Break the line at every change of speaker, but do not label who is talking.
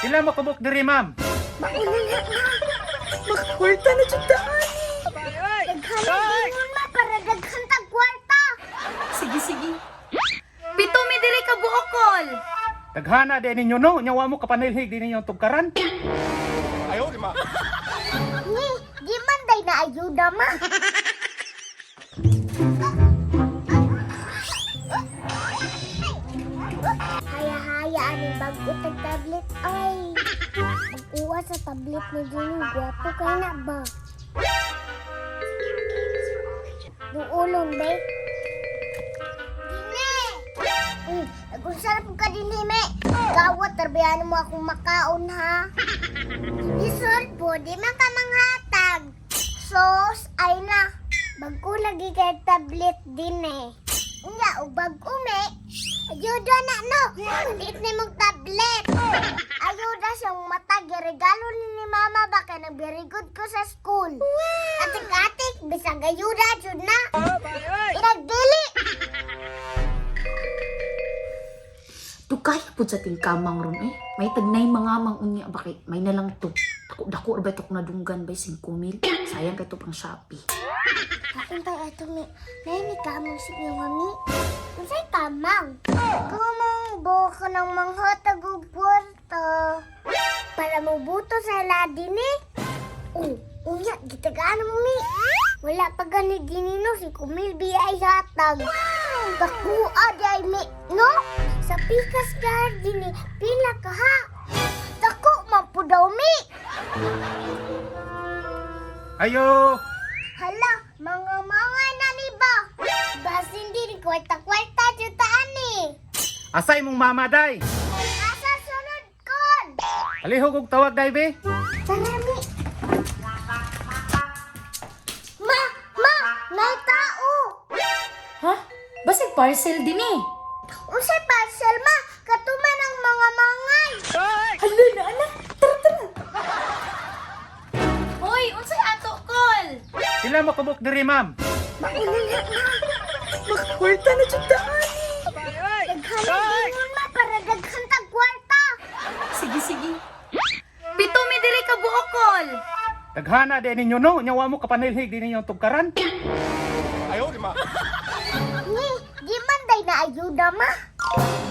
Pila mo kubok diri, ma'am?
Mauna na na. Makakwarta na dyan daan. Daghan din ma para daghan tag kwarta.
Sige, sige. Pito mi diri ka buokol.
Daghana din ninyo no, nyawa mo kapanilhig din ninyo tugkaran.
Ni, di man day na ayuda ma. Haya-haya ani bago tag tablet ay. Mag-uwa sa tablet ni Juni, gwapo kay na ba? Duulong, be. Dine! Nag-unsarap ka din, me. Gawat, tarbayan mo akong makaon, ha? Isod po, di man ka manghatag. Sos, ay na. Bago lagi kay tablet din, eh. Nga, o bago, me. Ayuda na, no. Malit na mong tablet. Ayuda siyang matag. Regalo ni mama baka na very good ko sa school. Atik-atik, bisag ayuda, jud na. Inagdili.
Tukay po sa tingkamang ron eh. May tagnay mga mangunya bakit may nalang to. Dako ba ito kung nadunggan ba 5,000? Sayang ka ito pang Shopee.
Kain tayo ito, mi. Nainig ka mong sige, mami. Masay tamang. Kumang buka ng manghatag o puwarta. Para mabuto sa ladin eh. Unya, gitagaan mo, mi. Wala pa gani ginino si Kumil biyay hatag. Kakua day, mi. No? Sa Pikas Garden eh. Pila ka ha. Dako, mampu daw, mi.
Ayo!
Hala, mga na ni ba? Bas hindi ni kwarta-kwarta jutaan ni.
Asay mong mama day.
Asa sunod kon?
Alihog og tawag day be.
Salami. Ma, may tao.
Ha? Basig parcel din eh.
Usay parcel ma, katuman ang mga mangay.
Hala na anak. Tara, tara. Hoy, unsay ato kol?
Pila mo kubok diri, ma'am?
Mauna na na. Makakwarta na dyan daan. Daghan din ma para daghan tag kwarta.
Sige, sige. Pito mi diri ka buokol.
Daghana din ninyo no, nyawa mo kapanilhig din ninyo tugkaran.
Ni, di man day na ayuda ma.